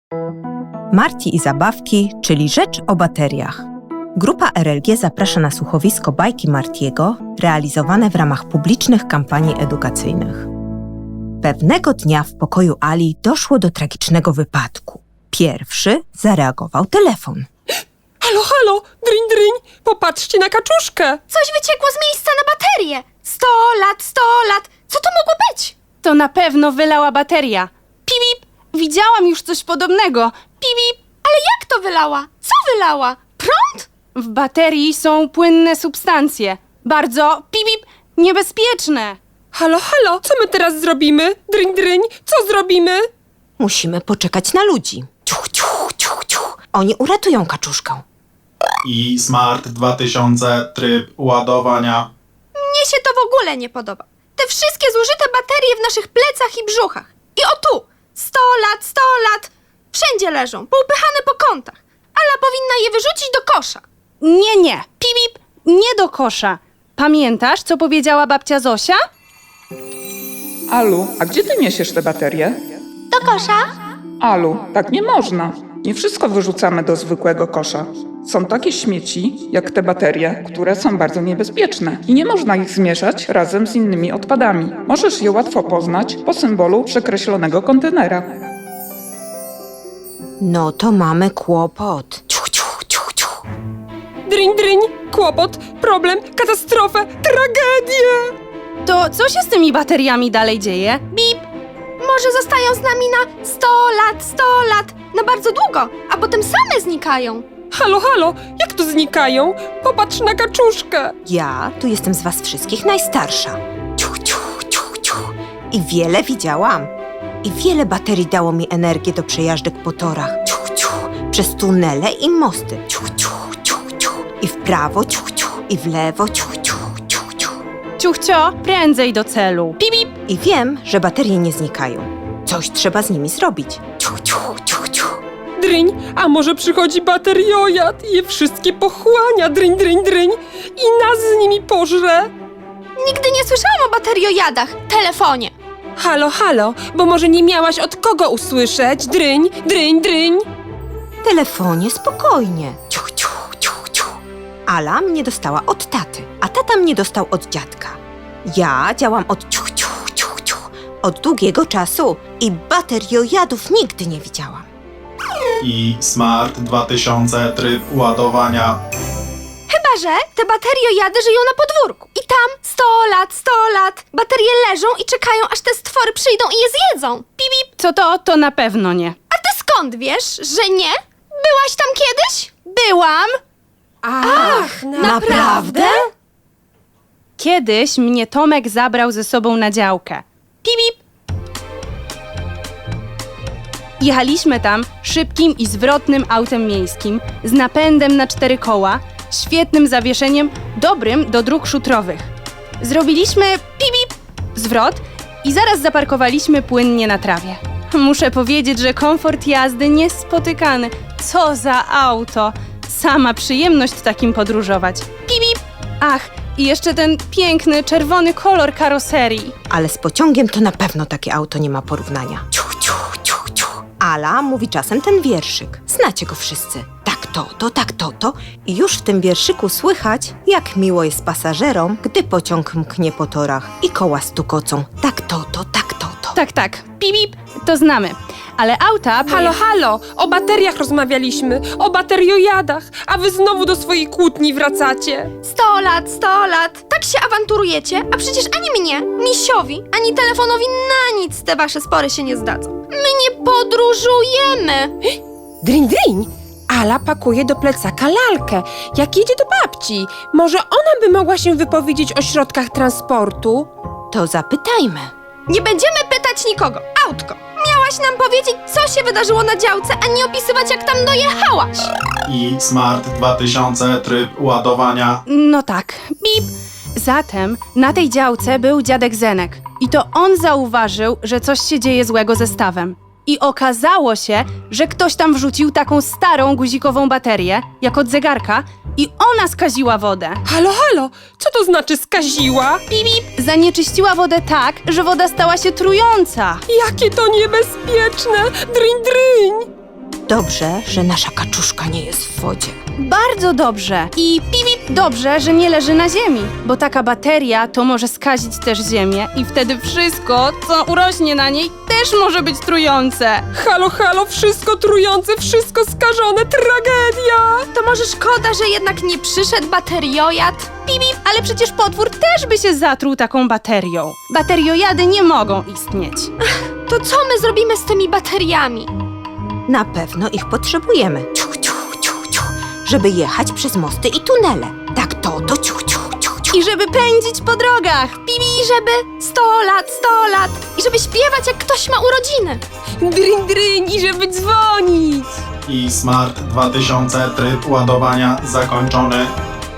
Marti i zabawki, czyli rzecz o bateriach. Grupa RLG zaprasza na słuchowisko bajki Martiego, realizowane w ramach publicznych kampanii edukacyjnych. Pewnego dnia w pokoju Ali doszło do tragicznego wypadku. Pierwszy zareagował telefon. Halo, halo, dryń, dryń, popatrzcie na kaczuszkę. Coś wyciekło z miejsca na baterię. 100 lat, 100 lat. Co to mogło być? To na pewno wylała bateria. Pip, widziałam już coś podobnego. Pip, Ale jak to wylała? Co wylała? Prąd? w baterii są płynne substancje. Bardzo, pip, niebezpieczne. Halo, halo, co my teraz zrobimy? Dryń, dryń, co zrobimy? Musimy poczekać na ludzi. Ciuch, ciuch, ciuch, ciuch. Oni uratują kaczuszkę. I Smart 2000 tryb ładowania. Mnie się to w ogóle nie podoba. Te wszystkie zużyte baterie w naszych plecach i brzuchach. I o tu! 100 lat, 100 lat. Wszędzie leżą, poupychane po kątach. Ala powinna je wyrzucić do kosza. Nie, pip, nie do kosza. Pamiętasz, co powiedziała babcia Zosia? Alu, a gdzie ty niesiesz te baterie? Do kosza? Alu, tak nie można. Nie wszystko wyrzucamy do zwykłego kosza. Są takie śmieci, jak te baterie, które są bardzo niebezpieczne i nie można ich zmieszać razem z innymi odpadami. Możesz je łatwo poznać po symbolu przekreślonego kontenera. No to mamy kłopot. Ciuch, ciuch, ciuch, ciuch. Dryń, dryń, kłopot, problem, katastrofę, tragedię. To co się z tymi bateriami dalej dzieje? Bip, Może zostają z nami na 100 lat, 100 lat. Na bardzo długo, a potem same znikają. Halo, halo, jak to znikają? Popatrz na kaczuszkę. Ja tu jestem z was wszystkich najstarsza. Ciuch, ciuch, ciuch, ciuch. I wiele widziałam. I wiele baterii dało mi energię do przejażdżek po torach. Ciuch, ciuch. Przez tunele i mosty. Ciuch, ciuch, ciuch, ciuch. I w prawo, ciuch, ciuch. I w lewo, ciuch, ciuch, ciuch, ciuch. ciuchcio, prędzej do celu. Pip, I wiem, że baterie nie znikają. Coś trzeba z nimi zrobić. Ciuch, ciuch, ciuch, ciuch. Dryń, a może przychodzi bateriojad i je wszystkie pochłania, dryń, dryń, dryń i nas z nimi pożre? Nigdy nie słyszałam o bateriojadach. Telefonie. Halo, halo, bo może nie miałaś od kogo usłyszeć? Dryń, dryń, dryń. Telefonie, spokojnie. Ciuch, ciuch, ciuch, ciuch. Ala mnie dostała od taty, a tata mnie dostał od dziadka. Ja działam od ciuch, ciuch, ciuch, ciuch. Od długiego czasu i bateriojadów nigdy nie widziałam. I Smart 2000 tryb ładowania. Chyba, że te bateriojady żyją na podwórku. I tam 100 lat, 100 lat. Baterie leżą i czekają, aż te stwory przyjdą i je zjedzą. Pip. co to na pewno nie. A ty skąd wiesz, że nie? Byłaś tam kiedyś? Byłam. Ach, Naprawdę? Kiedyś mnie Tomek zabrał ze sobą na działkę. Pip. Jechaliśmy tam szybkim i zwrotnym autem miejskim z napędem na 4 koła, świetnym zawieszeniem, dobrym do dróg szutrowych. Zrobiliśmy pip, zwrot i zaraz zaparkowaliśmy płynnie na trawie. Muszę powiedzieć, że komfort jazdy niespotykany. Co za auto! Sama przyjemność takim podróżować. Pip. Ach, i jeszcze ten piękny, czerwony kolor karoserii. Ale z pociągiem to na pewno takie auto nie ma porównania. Ciuch, ciuch, ciuch, ciuch. Ala mówi czasem ten wierszyk. Znacie go wszyscy. Tak to. I już w tym wierszyku słychać, jak miło jest pasażerom, gdy pociąg mknie po torach i koła stukocą. Tak to. Tak, pip, to znamy. Ale auta... Halo, halo, o bateriach rozmawialiśmy, o bateriojadach, a wy znowu do swojej kłótni wracacie. 100 lat, 100 lat. Tak się awanturujecie, a przecież ani mnie, misiowi, ani telefonowi na nic te wasze spory się nie zdadzą. My nie podróżujemy. Dryń, dryń, Ala pakuje do plecaka lalkę, jak jedzie do babci. Może ona by mogła się wypowiedzieć o środkach transportu? To zapytajmy. Nie będziemy pytać nikogo. Autko, miałaś nam powiedzieć, co się wydarzyło na działce, a nie opisywać, jak tam dojechałaś. I Smart 2000 tryb ładowania. No tak, pip. Zatem na tej działce był dziadek Zenek. I to on zauważył, że coś się dzieje złego ze stawem. I okazało się, że ktoś tam wrzucił taką starą guzikową baterię, jak od zegarka, i ona skaziła wodę. Halo, halo, co to znaczy skaziła? Zanieczyściła wodę tak, że woda stała się trująca. Jakie to niebezpieczne! Dryń, dryń! dobrze, że nasza kaczuszka nie jest w wodzie. Bardzo dobrze. I pip, dobrze, że nie leży na ziemi, bo taka bateria to może skazić też ziemię i wtedy wszystko, co urośnie na niej, też może być trujące. Halo, halo, wszystko trujące, wszystko skażone, tragedia! To może szkoda, że jednak nie przyszedł bateriojad? Pip, ale przecież potwór też by się zatruł taką baterią. Bateriojady nie mogą istnieć. To co my zrobimy z tymi bateriami? Na pewno ich potrzebujemy. Ciuch, ciuch, ciuch, ciuch, żeby jechać przez mosty i tunele. Tak to ciuch, ciuch, ciuch, ciuch. I żeby pędzić po drogach. I żeby 100 lat. I żeby śpiewać, jak ktoś ma urodziny. Dryń, dryń i żeby dzwonić! I Smart 2000 tryb ładowania zakończony.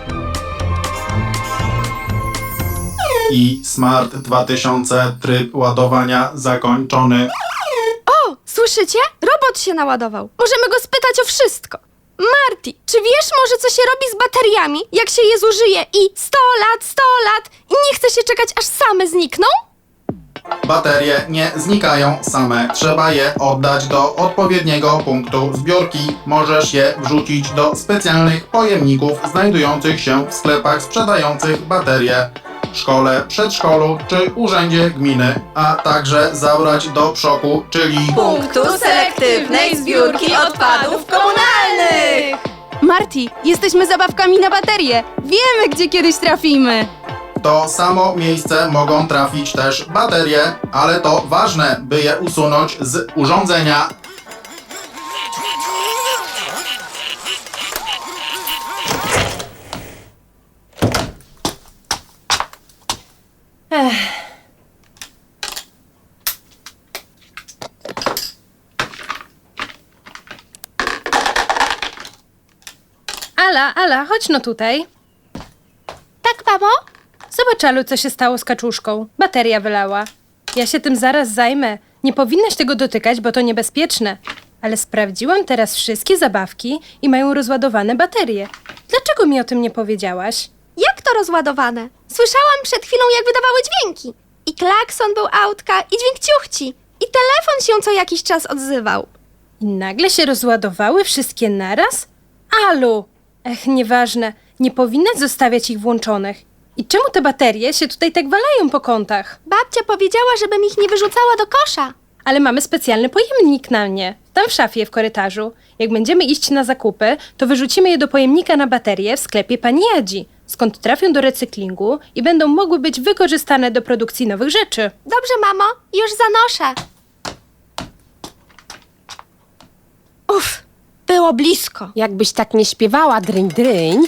I Smart 2000 tryb ładowania zakończony. O, słyszycie? Robot się naładował. Możemy go spytać o wszystko. Marty, czy wiesz może, co się robi z bateriami, jak się je zużyje i 100 lat i nie chce się czekać, aż same znikną? Baterie nie znikają same. Trzeba je oddać do odpowiedniego punktu zbiórki. Możesz je wrzucić do specjalnych pojemników znajdujących się w sklepach sprzedających baterie, szkole, przedszkolu czy urzędzie gminy, a także zabrać do PSZOK-u, czyli Punktu selektywnej zbiórki odpadów komunalnych! Marty, jesteśmy zabawkami na baterię. Wiemy, gdzie kiedyś trafimy. w to samo miejsce mogą trafić też baterie, ale to ważne, by je usunąć z urządzenia. Ala, chodź no tutaj. Tak, mamo? Zobacz, Alu, co się stało z kaczuszką. Bateria wylała. Ja się tym zaraz zajmę. Nie powinnaś tego dotykać, bo to niebezpieczne. Ale sprawdziłam teraz wszystkie zabawki i mają rozładowane baterie. Dlaczego mi o tym nie powiedziałaś? Jak to rozładowane? Słyszałam przed chwilą, jak wydawały dźwięki. I klakson był autka, i dźwięk ciuchci. I telefon się co jakiś czas odzywał. I nagle się rozładowały wszystkie naraz? Alu! Nieważne. Nie powinnaś zostawiać ich włączonych. I czemu te baterie się tutaj tak walają po kątach? Babcia powiedziała, żebym ich nie wyrzucała do kosza. Ale mamy specjalny pojemnik na mnie. Tam w szafie w korytarzu. Jak będziemy iść na zakupy, to wyrzucimy je do pojemnika na baterie w sklepie pani Jadzi, skąd trafią do recyklingu i będą mogły być wykorzystane do produkcji nowych rzeczy. Dobrze, mamo, już zanoszę. Uff, było blisko. Jakbyś tak nie śpiewała, dryń, dryń.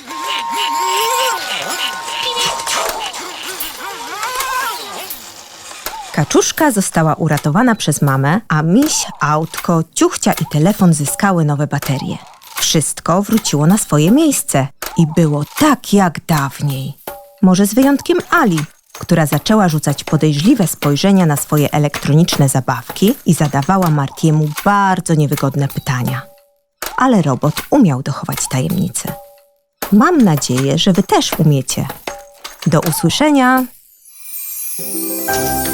Kaczuszka została uratowana przez mamę, a miś, autko, ciuchcia i telefon zyskały nowe baterie. Wszystko wróciło na swoje miejsce i było tak jak dawniej. Może z wyjątkiem Ali, która zaczęła rzucać podejrzliwe spojrzenia na swoje elektroniczne zabawki i zadawała Martiemu bardzo niewygodne pytania. Ale robot umiał dochować tajemnicy. Mam nadzieję, że wy też umiecie. Do usłyszenia!